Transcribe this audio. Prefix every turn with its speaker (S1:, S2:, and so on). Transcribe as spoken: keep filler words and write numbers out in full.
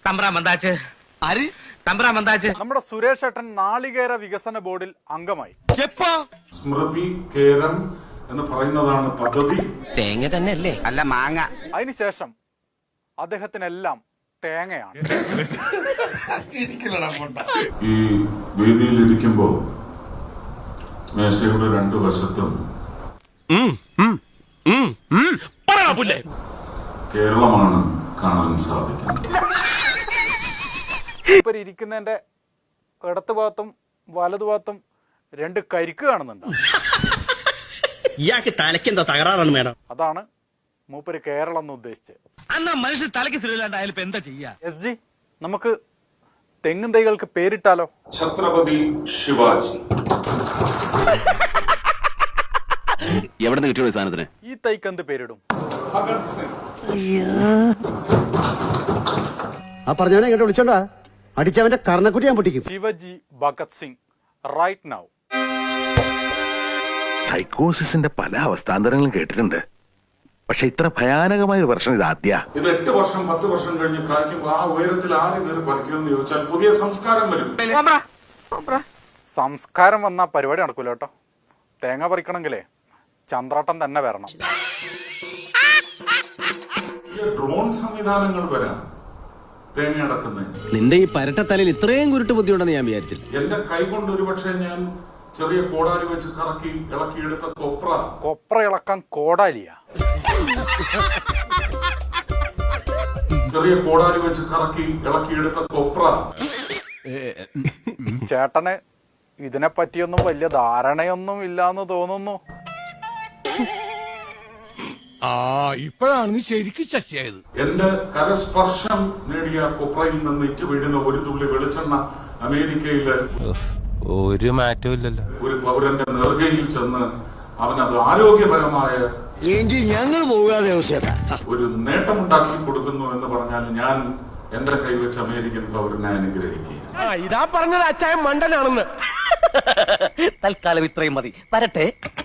S1: തമ്പ്രാൻ വந்தாச்சு. ആര്? തമ്പ്രാൻ വந்தாச்சு.
S2: നമ്മുടെ സുരേഷ് ഏട്ടൻ നാളികേര വികസന ബോർഡിൽ അംഗമായി.
S3: സ്മൃതി കേരം എന്ന് പറയുന്നതാണ് പദ്ധതി.
S1: തേങ്ങ തന്നെ അല്ലേ? അല്ല മാങ്ങ.
S2: അതിനുശേഷം അദ്ദേഹത്തിനെല്ലാം തേങ്ങയാണ്.
S3: ഈ വേദിയിൽ ഇരിക്കുമ്പോ മേശയുടെ രണ്ടു വശത്തും കേരളമാണ് കാണാൻ സാധിക്കുന്നത്.
S2: ഇപ്പൊ ഇരിക്കുന്നതിന്റെ ഇടത്ത് ഭാഗത്തും വലതുഭാഗത്തും രണ്ട് കരിക്ക് കാണുന്നുണ്ട്.
S4: ഇയാൾക്ക് തലക്കെന്താ തകരാറാണ് മേഡം?
S2: അതാണ് മൂപ്പര് കേരളം എന്ന് ഉദ്ദേശിച്ചത്.
S1: അന്നാ മനുഷ്യൻ തലയ്ക്ക് സ്ഥിരമില്ലാണ്ടായാലും ഇപ്പൊ എന്താ ചെയ്യാ?
S2: എസ് ജി, നമുക്ക് തെങ്ങും തൈകൾക്ക് പേരിട്ടാലോ?
S3: ഛത്രപതി ശിവാജി.
S5: എവിടെ നിന്ന് കിട്ടിയോ സാധനത്തിന്?
S2: ഈ തൈക്ക് എന്ത് പേരിടും?
S3: ഭഗത് സിംഗ്.
S4: ആ പറഞ്ഞവനെ ഇങ്ങോട്ട് വിളിച്ചോണ്ടാ അടിച്ചവന്റെ കർണക്കുട്ടി ഞാൻ പൊട്ടിക്കും.
S2: Shivaji Bhagat Singh right now.
S6: സൈക്കോസിന്റെ പല അവസ്ഥാന്തരങ്ങളും കേട്ടിട്ടുണ്ട്, പക്ഷെ ഇത്ര ഭയാനകമായ ഒരു പ്രശ്നം ഇത് ആദ്യ.
S3: ഇത് എട്ട് വർഷം പത്ത് വർഷം കഴിഞ്ഞ് കായ്ക്കുമ്പോൾ ആ ഉയരത്തിൽ ആര് കയറി പറിക്കുമെന്ന് ചോദിച്ചാൽ പുതിയ സംസ്കാരം വരും.
S2: സംസ്കാരം വന്ന പരിപാടി നടക്കൂല കേട്ടോ. തേങ്ങ പറിക്കണമെങ്കിലേ ചന്ദ്രാട്ടം തന്നെ വരണം.
S3: ഡ്രോൺ സംവിധാനങ്ങൾ വരാം തേങ്ങ അടക്കുന്നതിന്.
S4: നിന്റെ ഈ പരട്ടത്തലയിൽ ഇത്രയും കുരുട്ട് ബുദ്ധിയുണ്ടെന്ന് ഞാൻ വിചാരിച്ചില്ല.
S3: എന്റെ കൈ കൊണ്ട് ഒരുപക്ഷെ ഞാൻ ചെറിയ കോടാലി വെച്ച് കറക്കി ഇളക്കിയെടുത്ത കൊപ്ര
S2: കൊപ്ര ഇളക്കാൻ കോടാലിയ.
S3: ചെറിയ കോടാലി വെച്ച് കറക്കി ഇളക്കിയെടുത്ത കൊപ്ര.
S2: ചേട്ടന് ഇതിനെ പറ്റിയൊന്നും വലിയ ധാരണയൊന്നും ഇല്ലാന്ന് തോന്നുന്നു.
S7: ആ ഇപ്പോഴാണ് നീ ശരിക്കും ശശിയായത്.
S3: എന്റെ കരസ്പർശം നേടിയ കൊപ്രയിൽ നിന്ന് ഇറ്റ് വീഴുന്ന ഒരു തുള്ളി വെളിച്ചെണ്ണ അമേരിക്കയിലെ
S7: ഒരു മാറ്റവും ഇല്ലല്ലോ.
S3: ഒരു പൗരന്റെ നെറുകയിൽ ചെന്ന് അവനത് ആരോഗ്യപരമായ
S4: ഞങ്ങൾ പോകാതെ
S3: ഒരു നേട്ടമുണ്ടാക്കി കൊടുക്കുന്നു എന്ന് പറഞ്ഞാൽ ഞാൻ എന്റെ കൈവച്ച് അമേരിക്കൻ പൗരനെ അനുഗ്രഹിക്കുക.
S1: ഇതാ പറഞ്ഞത് അച്ചായ മണ്ടനാണെന്ന്. തൽക്കാലം ഇത്രയും മതി. വരട്ടെ.